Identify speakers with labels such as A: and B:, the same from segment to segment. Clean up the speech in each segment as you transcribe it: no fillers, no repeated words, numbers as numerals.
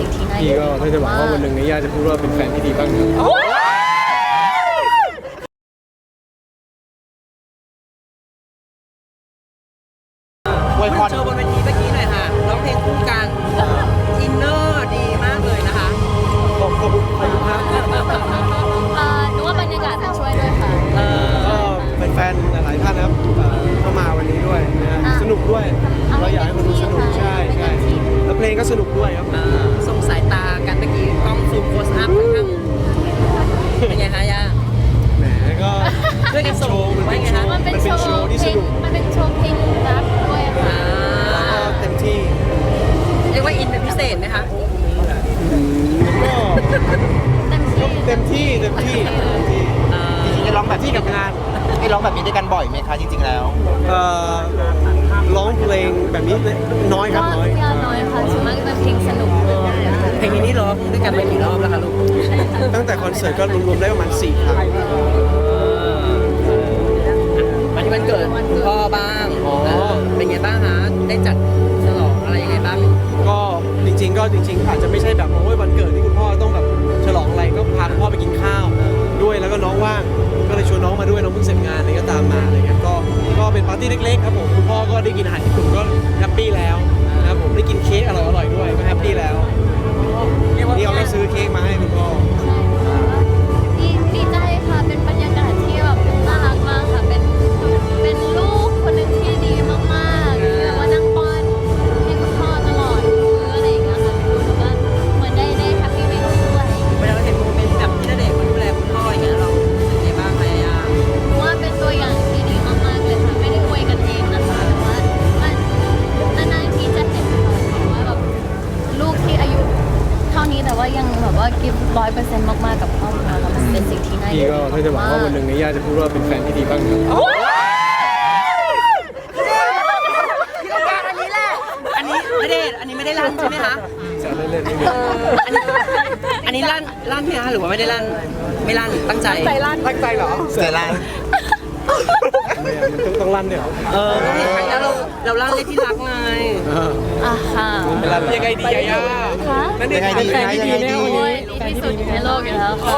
A: สิ่งที่น่า
B: พี่ก็ถ้าจะหวังว่าวันหนึ่งเนี่ยย่าจะพูดว่าเป็นแฟนที่ดีบ้างครับ
C: อวยพรโชว์บนเวทีเมื่อกี้หน่อยค่ะร้องเพลงคู่กันอินเนอร์ดีมากเลยนะคะ
B: ขอบคุณครับ
A: หนูว่าบรรยากาศจะช่วยด้วยค่ะ
B: ก็เป็นแฟนหลายท่านนะครับเข้ามาวันนี้ด้วยนะฮะสนุกด้วยเราอยากให้คนดูสนุกใช่แล้วเพลงก็สนุกด้วยครับ
C: ส่งสายตากันเมื่อกี้กล้องซูมโคสอัพค่อนข้างเป็นไงคะย่า
B: แหมก็
C: ด้วยกันส่ง
A: มันเป็นโชว์ที่สนุกมันเป็นโชว์เพลงรักด้วยค่ะ
B: เต็มที่
C: เรียกว่าอินเป็นพิเศษไหมคะ
B: ก็เต็มที่จริงๆได้ร้องแบบที่กับงาน
D: ได้ร้องแบบนี้ด้วยกันบ่อยไหมคะจริงๆแล้ว
B: ร้องเพลงแบบนี้น้อยครับน้อย
A: ค่ะส่วนมากจะเป็นเพลงสนุก
C: เพลงนี้นี่ร้องด้วยกันไปกี่รอบแล้วคะลูก
B: ตั้งแต่คอนเสิร์ตก็รวมๆได้ประมาณ4 ครั้ง
C: วันนี้วันเกิดคุณพ่อบ้างเป็นไงบ้างฮะได้จัดฉลองอะไรยังไงบ้าง
B: ก็จริงๆอาจจะไม่ใช่แบบโอ้ยวันเกิดที่คุณพ่อต้องแบบฉลองอะไรก็พาคุณพ่อไปกินข้าวด้วยแล้วก็น้องว่างก็เลยชวนน้องมาด้วยน้องเพิ่งเสร็จงานอะไรก็ตามมาอะไรเงี้ยก็เป็นปาร์ตี้เล็กๆครับผมคุณพ่อก็ได้กินอาหารญี่ปุ่นก็แฮปปี้แล้วนะครับผมได้กินเค้กอร่อยๆด้วยก็แฮปปี้แล้วนี่เราก็ซื้อเค้กมาให้คุณพ่อ
A: ดีใจค่ะเป็นบรรยากาศที่แบบน่ารักมากค่ะเป็นลูกคนหนึ่งที่ดีมากๆที่แบบว่านั่งป้อนให้คุณพ่อตลอดมื้ออะไรอย่างเงี้ยค่ะดูแล้วก็เหมือนได้แฮปปี้ไปด้วย
C: เวลาเราเห็นโมเมนต์แบบที่ณเดชน์ดูแลคุณพ่ออย่างเงี้ยเราเป็นไงบ้างพยายาม
A: ว่าเป็นตัวอย่างที่ดีมากๆเลยค่ะไม่ได้อวยกันเองนะคะแต่ว่ามันนานๆทีจะเห็นค่ะว่าแบบลูกที่อายุเท่านี้แต่ว่ายังแบบว่ากิฟต์100%มากๆกับครอบครัวแล้วมันเป็นสิ่งที่น่า
B: พี่ก็ถ้าจะหวังว่าวันหนึ่งเนี่ยย่าจะพูดว่าเป็นแฟนที่ดีบ้างครับ
C: อันนี้ไม่ได้ลั่นใช่ไหมคะ
B: แซวเล่นๆ
C: อันนี้ลั่นไหมคะหรือว่าไม่ได้ลั่นไม่ลั่นตั้งใจ
B: ตั้งใจเหรอ
D: ใจลั่น
B: มันต้องลั่นเนี่ยเหรอ
C: แล้วเราลั่นเลยที่รักไง
A: ค่ะ
B: ยังไงดีย่า
A: นั่น
D: ยังไงดี
A: ที่สุดในโลกอยู่แล้วค่ะ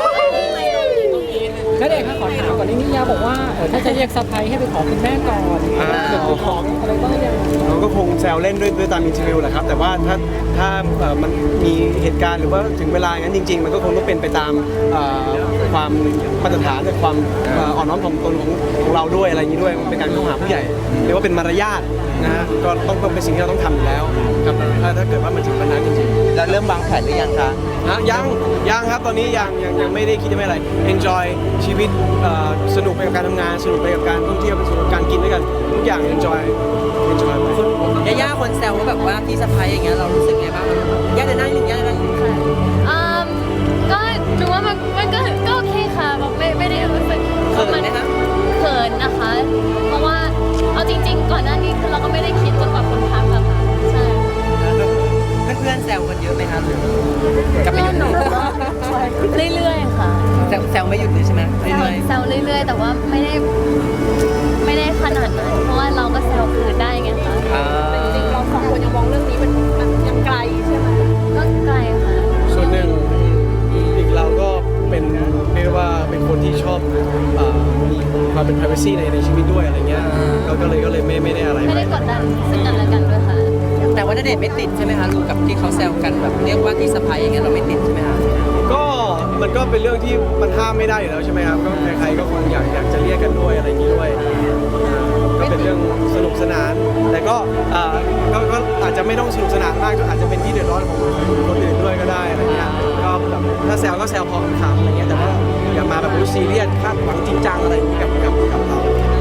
E: ณเดชน์คะขอถามก่อนนี่ย่าบอกว่าถ้าจะเรียกซัพไพรส์ให้ไปขอคุณแม่ก่อนเดี๋ยวขออะไรบ้างยัง
B: เราก็คงแซวเล่นด้วยตามอินเทอร์วิวแหละครับแต่ว่าถ้ามันมีเหตุการณ์หรือว่าถึงเวลาอย่างนั้นจริงๆมันก็คงต้องเป็นไปตามความมาตรฐานและความอ่อนน้อมถ่อมตนของเราด้วยอะไรอย่างนี้ด้วยมันเป็นการเข้าหาผู้ใหญ่เรียกว่าเป็นมารยาทนะฮะก็ต้องเป็นสิ่งที่เราต้องทำอยู่แล้วครับถ้าเกิดว่ามันถึงวันนั้นจริง
D: ๆแล้วเริ่มวางแผนหรือยังคะ
B: ยังครับตอนนี้ยังไม่ได้คิดจะไม่อะไร enjoy ชีวิตสนุกไปกับการทำงานสนุกไปกับการท่องเที่ยวสนุกกับการกินด้วยกันทุกอย่าง enjoy
C: ไปย่าคนแซวว่าแบบว่าพี่สะพ้ายอย่างเงี้ยเรารู้สึกไงบ้างย่าจะนั่งหนึ่งย่าจะนั่งหนึ่ง
A: ก็หนูว่ามันก็โอเคค่ะแบบไม่ได้รู้สึก
C: เขินไหมคะ
A: เขินนะคะเพราะว่าเอาจริงๆก่อนหน้านี้คือเราก็ไม่ได้คิดจนกว่าคนทักอะค่ะใช่
C: เพื่อนแซวกันเยอะไหมคะกับไม่หยุด
A: เรื่อยๆค่ะ
C: แซวไม่หยุดเลยใช่ไหม
A: แซวเรื่อยๆแต่ว่าไม่ได้ขนาดนั้นเพราะว่าเราก็แซวคืนได้ไงคะ
C: แต่
A: จริงๆเราสองคนยังมองเรื่องนี้มันยังไกลใช่ไหมก็ไกลค่ะ
B: ส่วนหนึ่งอีกเราก็เป็นเรียกว่าเป็นคนที่ชอบมีความเป็น privacy ในชีวิตด้วยอะไรเงี้ยก็เลยไม่ได้อะไร
A: ไม่ได้กดดันซึ่งกันและกันด้วยค่ะ
C: แต่ว่าณเดชน์ไม่ติดใช่ไหมคะลูกกับที่เขาแซวกันแบบเรียกว่าที่สะพ้ายอย่างเงี้ยเราไม่ติดใช่ไหมคะ
B: ก็มันก็เป็นเรื่องที่มันห้ามไม่ได้อยู่แล้วใช่ไหมครับก็ใครๆก็คงอยากจะเรียกกันด้วยอะไรอย่างนี้ด้วยก็เป็นเรื่องสนุกสนานแต่ก็อาจจะไม่ต้องสนุกสนานมากก็อาจจะเป็นที่เดือดร้อนของคนอื่นด้วยก็ได้อะไรเงี้ยก็แบบถ้าแซวก็แซวพอขำๆอะไรเงี้ยแต่ว่าอย่ามาแบบซีเรียสคาดหวังจริงจังอะไรอย่างนี้กับเรา